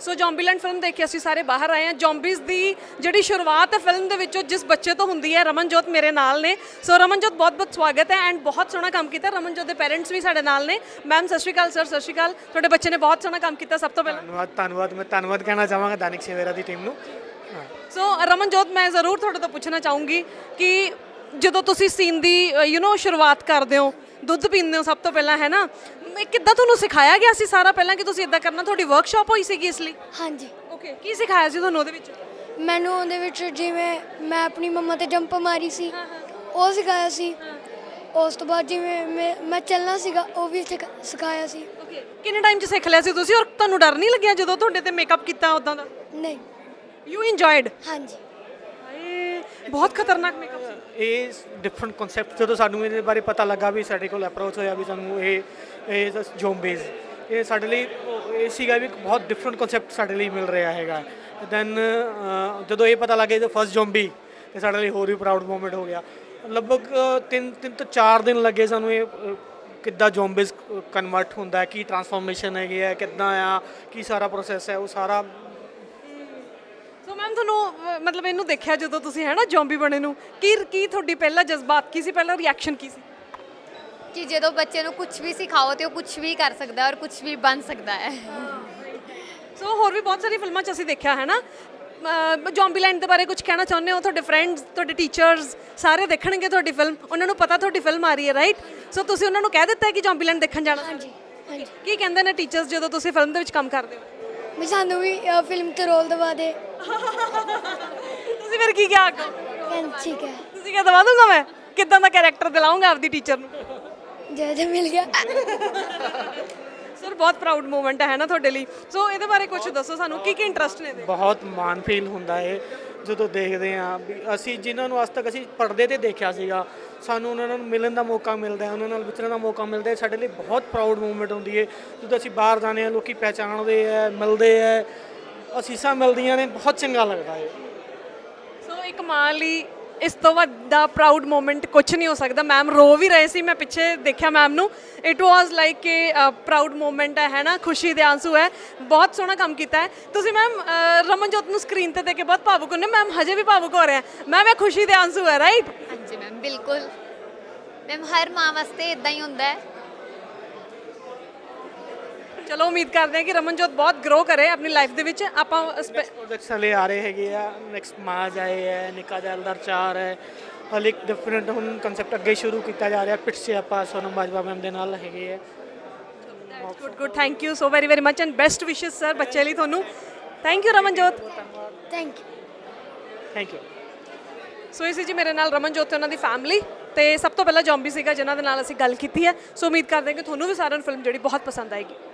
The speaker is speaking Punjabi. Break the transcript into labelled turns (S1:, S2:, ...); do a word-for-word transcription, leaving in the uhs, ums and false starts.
S1: ਸੋ ਜ਼ੋਂਬੀਲੈਂਡ ਫਿਲਮ ਦੇਖ ਕੇ ਅਸੀਂ ਸਾਰੇ ਬਾਹਰ ਆਏ ਹਾਂ। ਜ਼ੋਂਬੀਜ਼ ਦੀ ਜਿਹੜੀ ਸ਼ੁਰੂਆਤ ਹੈ ਫਿਲਮ ਦੇ ਵਿੱਚੋਂ ਜਿਸ ਬੱਚੇ ਤੋਂ ਹੁੰਦੀ ਹੈ, ਰਮਨਜੋਤ ਮੇਰੇ ਨਾਲ ਨੇ। ਸੋ ਰਮਨਜੋਤ ਬਹੁਤ ਬਹੁਤ ਸਵਾਗਤ ਹੈ ਐਂਡ ਬਹੁਤ ਸੋਹਣਾ ਕੰਮ ਕੀਤਾ। ਰਮਨਜੋਤ ਦੇ ਪੈਰੈਂਟਸ ਵੀ ਸਾਡੇ ਨਾਲ ਨੇ। ਮੈਮ ਸਤਿ ਸ਼੍ਰੀ ਅਕਾਲ, ਸਰ ਸਤਿ ਸ਼੍ਰੀ ਅਕਾਲ। ਤੁਹਾਡੇ ਬੱਚੇ ਨੇ ਬਹੁਤ ਸੋਹਣਾ ਕੰਮ ਕੀਤਾ। ਸਭ ਤੋਂ ਪਹਿਲਾਂ
S2: ਧੰਨਵਾਦ ਧੰਨਵਾਦ ਮੈਂ ਧੰਨਵਾਦ ਕਹਿਣਾ ਚਾਹਾਂਗਾ ਦਾਨਿਕ ਸੇਵੇਰਾ ਦੀ ਟੀਮ ਨੂੰ।
S1: ਸੋ ਰਮਨਜੋਤ ਮੈਂ ਜ਼ਰੂਰ ਤੁਹਾਡੇ ਤੋਂ ਪੁੱਛਣਾ ਚਾਹੂੰਗੀ ਕਿ ਜਦੋਂ ਤੁਸੀਂ ਸੀਨ ਦੀ ਯੂ نو ਸ਼ੁਰੂਆਤ ਕਰਦੇ ਹੋ, ਦੁੱਧ ਪੀਂਦੇ ਹੋ ਸਭ ਤੋਂ ਪਹਿਲਾਂ, ਹੈ ਨਾ, ਇਹ ਕਿੱਦਾਂ ਤੁਹਾਨੂੰ ਸਿਖਾਇਆ ਗਿਆ ਸੀ ਸਾਰਾ ਪਹਿਲਾਂ ਕਿ ਤੁਸੀਂ ਇਦਾਂ ਕਰਨਾ? ਤੁਹਾਡੀ ਵਰਕਸ਼ਾਪ ਹੋਈ ਸੀਗੀ ਇਸ ਲਈ?
S3: ਹਾਂਜੀ,
S1: ਓਕੇ। ਕੀ ਸਿਖਾਇਆ ਸੀ ਤੁਹਾਨੂੰ ਉਹਦੇ ਵਿੱਚ?
S3: ਮੈਨੂੰ ਉਹਦੇ ਵਿੱਚ ਜਿਵੇਂ ਮੈਂ ਆਪਣੀ ਮੰਮਾ ਤੇ ਜੰਪ ਮਾਰੀ ਸੀ ਉਹ ਸਿਖਾਇਆ ਸੀ। ਉਸ ਤੋਂ ਬਾਅਦ ਜਿਵੇਂ ਮੈਂ ਮੈਂ ਚੱਲਣਾ ਸੀਗਾ ਉਹ ਵੀ ਸਿਖਾ- ਸਿਖਾਇਆ ਸੀ।
S1: ਓਕੇ। ਕਿੰਨੇ ਟਾਈਮ 'ਚ ਸਿੱਖ ਲਿਆ ਸੀ ਤੁਸੀਂ ਔਰ ਤੁਹਾਨੂੰ ਡਰ ਨਹੀਂ ਲੱਗਿਆ ਜਦੋਂ ਤੁਹਾਡੇ ਤੇ ਮੇਕਅਪ ਕੀਤਾ ਉਦਾਂ ਦਾ?
S3: ਨਹੀਂ,
S1: ਯੂ ਇੰਜੋਇਡ?
S3: ਹਾਂਜੀ।
S1: ਹਾਏ ਬਹੁਤ ਖਤਰਨਾਕ ਮੇਕਅਪ ਸੀ।
S2: ਇਹ ਡਿਫਰੈਂਟ ਕਨਸੈਪਟ ਜਦੋਂ ਸਾਨੂੰ ਇਹਦੇ ਬਾਰੇ ਪਤਾ ਲੱਗਾ ਵੀ ਸਾਡੇ ਕੋਲ ਅਪਰੋਚ ਹੋਇਆ ਵੀ ਸਾਨੂੰ ਇਹ ਇਹ ਜ਼ੋਂਬੀਜ਼ ਇਹ ਸਾਡੇ ਲਈ ਇਹ ਸੀਗਾ ਵੀ ਬਹੁਤ ਡਿਫਰੈਂਟ ਕਨਸੈਪਟ ਸਾਡੇ ਲਈ ਮਿਲ ਰਿਹਾ ਹੈਗਾ। ਦੈਨ ਜਦੋਂ ਇਹ ਪਤਾ ਲੱਗਿਆ ਜਦੋਂ ਫਸਟ ਜ਼ੋਂਬੀ ਤੇ ਸਾਡੇ ਲਈ ਹੋਰ ਵੀ ਪ੍ਰਾਊਡ ਮੂਮੈਂਟ ਹੋ ਗਿਆ। ਲਗਭਗ ਤਿੰਨ ਤਿੰਨ ਤੋਂ ਚਾਰ ਦਿਨ ਲੱਗੇ ਸਾਨੂੰ ਇਹ ਅ, ਕਿੱਦਾਂ ਜ਼ੋਂਬੀਜ਼ ਕਨਵਰਟ ਹੁੰਦਾ, ਕੀ ਟਰਾਂਸਫਾਰਮੇਸ਼ਨ ਹੈਗੀ ਹੈ, ਕਿੱਦਾਂ ਆ, ਕੀ ਸਾਰਾ ਪ੍ਰੋਸੈਸ ਹੈ, ਉਹ ਸਾਰਾ।
S1: ਸੋ ਮੈਮ ਤੁਹਾਨੂੰ ਅਹ, ਮਤਲਬ ਇਹਨੂੰ ਦੇਖਿਆ ਜਦੋਂ ਤੁਸੀਂ, ਹੈ ਨਾ, ਜ਼ੋਂਬੀ ਬਣੇ ਨੂੰ, ਕੀ ਕੀ ਤੁਹਾਡੀ ਪਹਿਲਾ ਜਜ਼ਬਾਤ ਕੀ ਸੀ, ਪਹਿਲਾ ਰਿਐਕਸ਼ਨ ਕੀ ਸੀ?
S4: ਕਿ ਜਦੋਂ ਬੱਚੇ ਨੂੰ ਕੁਝ ਵੀ ਸਿਖਾਓ ਤੇ ਉਹ ਕੁਝ ਵੀ ਕਰ ਸਕਦਾ ਔਰ ਕੁਝ ਵੀ ਬਣ ਸਕਦਾ ਹੈ।
S1: ਸੋ ਹੋਰ ਵੀ ਬਹੁਤ ਸਾਰੀ ਫਿਲਮਾਂ 'ਚ ਅਸੀਂ ਦੇਖਿਆ, ਹੈ ਨਾ। ਜ਼ੋਂਬੀਲੈਂਡ ਦੇ ਬਾਰੇ ਕੁਝ ਕਹਿਣਾ ਚਾਹੁੰਦੇ ਹੋ? ਤੁਹਾਡੇ ਫਰੈਂਡਸ, ਤੁਹਾਡੇ ਟੀਚਰਸ ਸਾਰੇ ਦੇਖਣਗੇ ਤੁਹਾਡੀ ਫਿਲਮ, ਉਹਨਾਂ ਨੂੰ ਪਤਾ ਤੁਹਾਡੀ ਫਿਲਮ ਆ ਰਹੀ ਹੈ, ਰਾਈਟ? ਸੋ ਤੁਸੀਂ ਉਹਨਾਂ ਨੂੰ ਕਹਿ ਦਿੱਤਾ ਹੈ ਕਿ ਜ਼ੋਂਬੀਲੈਂਡ ਦੇਖਣ ਜਾਣਾ?
S3: ਹਾਂਜੀ ਹਾਂਜੀ।
S1: ਕੀ ਕਹਿੰਦੇ ਨੇ ਟੀਚਰਸ ਜਦੋਂ ਤੁਸੀਂ ਫਿਲਮ ਦੇ ਵਿੱਚ ਕੰਮ ਕਰਦੇ ਹੋ?
S3: ਵੀ ਸਾਨੂੰ ਵੀ ਫਿਲਮ 'ਤੇ ਰੋਲ ਦਵਾ ਦੇ।
S1: ਤੁਸੀਂ ਫਿਰ ਕੀ ਕਿਹਾ ਅੱਗੋਂ?
S3: ਕਹਿੰਦੇ ਠੀਕ ਹੈ,
S1: ਤੁਸੀਂ ਕਿਹਾ ਦਵਾ ਦੂੰਗਾ ਮੈਂ। ਕਿੱਦਾਂ ਦਾ ਕੈਰੈਕਟਰ ਦਿਲਾਉਂਗਾ ਆਪਦੀ ਟੀਚਰ ਨੂੰ?
S3: ਜੇ ਜੇ ਮਿਲ ਗਿਆ।
S1: ਸਰ ਬਹੁਤ ਪ੍ਰਾਊਡ ਮੂਮੈਂਟ ਹੈ ਨਾ ਤੁਹਾਡੇ ਲਈ। ਸੋ ਇਹਦੇ ਬਾਰੇ ਕੁਝ ਦੱਸੋ ਸਾਨੂੰ, ਕੀ ਕੀ ਇੰਟਰਸਟ ਨੇ ਇਹਦੇ?
S2: ਬਹੁਤ ਮਾਣ ਫੀਲ ਹੁੰਦਾ ਹੈ ਜਦੋਂ ਦੇਖਦੇ ਹਾਂ ਵੀ ਅਸੀਂ ਜਿਨ੍ਹਾਂ ਨੂੰ ਅੱਜ ਤੱਕ ਅਸੀਂ ਪਰਦੇ ਤੇ ਦੇਖਿਆ ਸੀਗਾ, ਸਾਨੂੰ ਉਹਨਾਂ ਨਾਲ ਮਿਲਣ ਦਾ ਮੌਕਾ ਮਿਲਦਾ ਹੈ, ਉਹਨਾਂ ਨਾਲ ਵਿਚਰਨ ਦਾ ਮੌਕਾ ਮਿਲਦਾ ਹੈ। ਸਾਡੇ ਲਈ ਬਹੁਤ ਪ੍ਰਾਊਡ ਮੂਮੈਂਟ ਹੁੰਦੀ ਹੈ ਜਦੋਂ ਅਸੀਂ ਬਾਹਰ ਜਾਂਦੇ ਹਾਂ, ਲੋਕੀ ਪਹਿਚਾਣਦੇ ਹੈ, ਮਿਲਦੇ ਹੈ, ਅਸੀਸਾਂ ਮਿਲਦੀਆਂ ਨੇ, ਬਹੁਤ ਚੰਗਾ ਲੱਗਦਾ ਹੈ।
S1: ਸੋ ਇੱਕ ਮਾਂ ਲਈ ਇਸ ਤੋਂ ਵੱਡਾ ਪ੍ਰਾਊਡ ਮੂਮੈਂਟ ਕੁਝ ਨਹੀਂ ਹੋ ਸਕਦਾ। ਮੈਮ ਰੋ ਵੀ ਰਹੇ ਸੀ, ਮੈਂ ਪਿੱਛੇ ਦੇਖਿਆ ਮੈਮ ਨੂੰ। ਇਟ ਵਾਜ਼ ਲਾਈਕ ਕਿ ਪ੍ਰਾਊਡ ਮੂਮੈਂਟ ਹੈ, ਹੈ ਨਾ, ਖੁਸ਼ੀ ਦੇ ਆਂਸੂ ਹੈ। ਬਹੁਤ ਸੋਹਣਾ ਕੰਮ ਕੀਤਾ ਹੈ ਤੁਸੀਂ ਮੈਮ। ਰਮਨਜੋਤ ਨੂੰ ਸਕਰੀਨ ਤੇ ਦੇਖ ਕੇ ਬਹੁਤ ਭਾਵੁਕ ਹੁੰਦੇ। ਮੈਮ ਹਜੇ ਵੀ ਭਾਵੁਕ ਹੋ ਰਿਹਾ। ਮੈਮ ਇਹ ਖੁਸ਼ੀ ਦੇ ਆਂਸੂ ਹੈ, ਰਾਈਟ?
S4: ਹਾਂਜੀ ਮੈਮ, ਬਿਲਕੁਲ ਮੈਮ, ਹਰ ਮਾਂ ਵਾਸਤੇ ਇਦਾਂ ਹੀ ਹੁੰਦਾ ਹੈ।
S1: ਚਲੋ ਉਮੀਦ ਕਰਦੇ ਹਾਂ ਕਿ ਰਮਨਜੋਤ ਬਹੁਤ ਗਰੋ ਕਰੇ ਆਪਣੀ ਲਾਈਫ ਦੇ ਵਿੱਚ। ਆਪਾਂ ਸਪੈ-
S2: ਪ੍ਰੋਜੈਕਟਸ ਹਲੇ ਆ ਰਹੇ ਹੈਗੇ ਆ। ਨੈਕਸਟ ਮਾਜ ਆਏ ਹੈ, ਨਿੱਕਾ ਜੈਲਦਾਰ ਚਾਰ ਹੈ, ਹਲੇ ਇੱਕ ਡਿਫਰੈਂਟ ਹੁਣ ਕਨਸੈਪਟ ਅੱਗੇ ਸ਼ੁਰੂ ਕੀਤਾ ਜਾ ਰਿਹਾ। ਪਿੱਛੇ 'ਚ ਆਪਾਂ ਸੋਨਮ ਬਾਜਵਾ ਮੈਮ ਦੇ ਨਾਲ ਹੈਗੇ ਹੈ।
S1: Good good, thank you so very very much and best wishes sir ਬੱਚੇ ਲਈ ਤੁਹਾਨੂੰ। Thank you Ramanjot.
S3: Thank you.
S2: Thank you.
S1: So ਇਹ ਸੀ ਜੀ ਮੇਰੇ ਨਾਲ ਰਮਨਜੋਤ ਤੇ ਉਹਨਾਂ ਦੀ ਫੈਮਿਲੀ। ਤੇ ਸਭ ਤੋਂ ਪਹਿਲਾਂ ਜ਼ੋਂਬੀ ਸੀਗਾ ਜਿਨ੍ਹਾਂ ਦੇ ਨਾਲ ਅਸੀਂ ਗੱਲ ਕੀਤੀ ਹੈ। ਸੋ ਉਮੀਦ ਕਰਦੇ ਹਾਂ ਕਿ ਤੁਹਾਨੂੰ ਵੀ ਸਾਰਿਆਂ ਨੂੰ ਫਿਲਮ ਜਿਹੜੀ ਬਹੁਤ ਪਸੰਦ ਆਏਗੀ।